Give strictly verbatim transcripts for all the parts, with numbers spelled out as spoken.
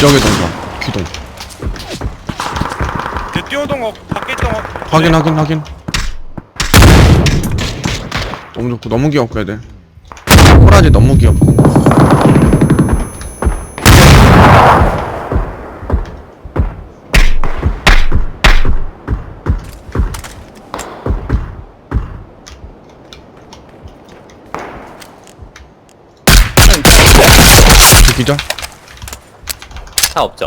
기적의 동상 기동. 걔 뛰어오던 거 밖에 있던 거 확인 확인 확인. 너무 좋고 너무 귀엽고 애들. 호라지 너무 귀엽고. 기절? 차 없죠?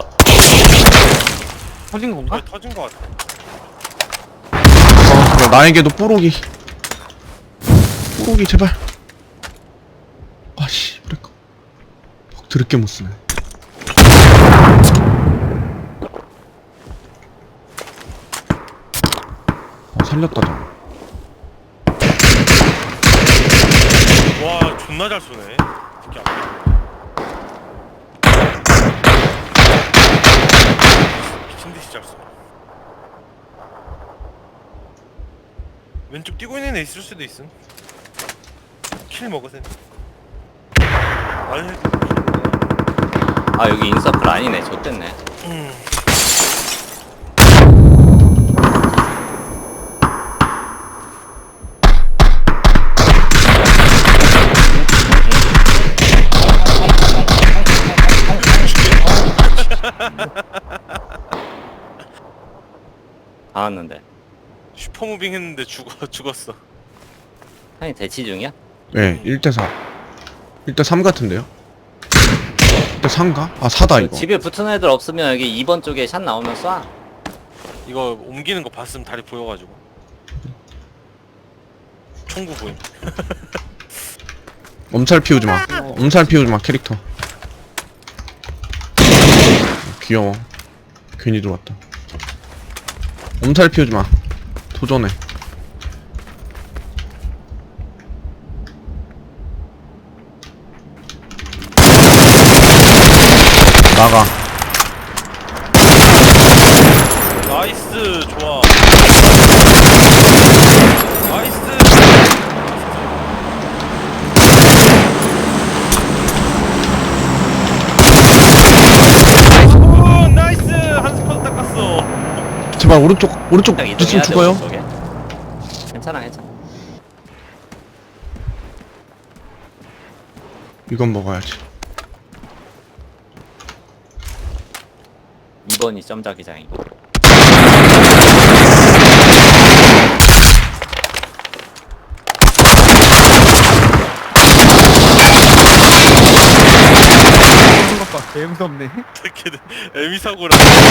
터진 건가? 거의 터진 거 같아. 어 그래 나에게도 뽀록이. 뽀록이 제발. 아씨 그럴까. 퍽 드럽게 못쓰네. 어 살렸다 저. 와 존나 잘 쏘네. 특히 앞에. 미친 듯이 잘 쏘. 왼쪽 뛰고 있는 애 있을 수도 있음. 킬 먹으세요. 아니. 아 여기 인서클 아니네. 좆됐네. 음. 다 왔는데. 슈퍼무빙 했는데 죽어 죽었어. 형이 대치 중이야? 네 일 대 사. 일 대 삼 같은데요? 일 대 삼인가? 아 사다 이거. 집에 붙은 애들 없으면 여기 이 번 쪽에 샷 나오면 쏴. 이거 옮기는 거 봤으면 다리 보여가지고. 총구 보임. 엄살 피우지마. 엄살 피우지마 캐릭터. 귀여워. 괜히 들어왔다. 엄살 피우지마. 도전해. 나가. 나이스 좋아. 나이스. 오 나이스 한 스쿼드 닦았어. 제발 오른쪽 오른쪽 딱 있으면 이동해야 돼. 죽어요. 오른쪽에. 괜찮아 괜찮아. 이건 먹어야지. 이 번이 점자기장이고. 터진 것 봐. 개 무섭네. 어떻게든 에미 사고를.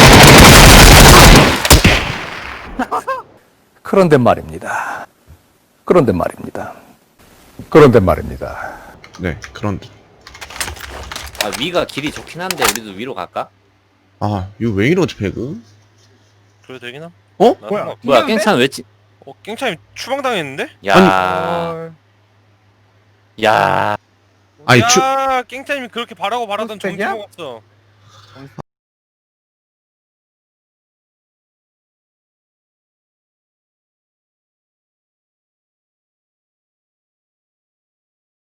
그런데 말입니다. 그런데 말입니다. 그런데 말입니다. 네 그런데. 아 위가 길이 좋긴 한데 우리도 위로 갈까? 아 이거 왜 이러지 배그? 그래도 되기나? 어? 나 뭐야? 상관없- 뭐야 신기한데? 깽찬 왜 찌? 어 깽차임 추방당했는데? 야. 어... 야. 아니 추 야 깽차임이 그렇게 바라고 바라던 스펙이야? 정지 먹었어.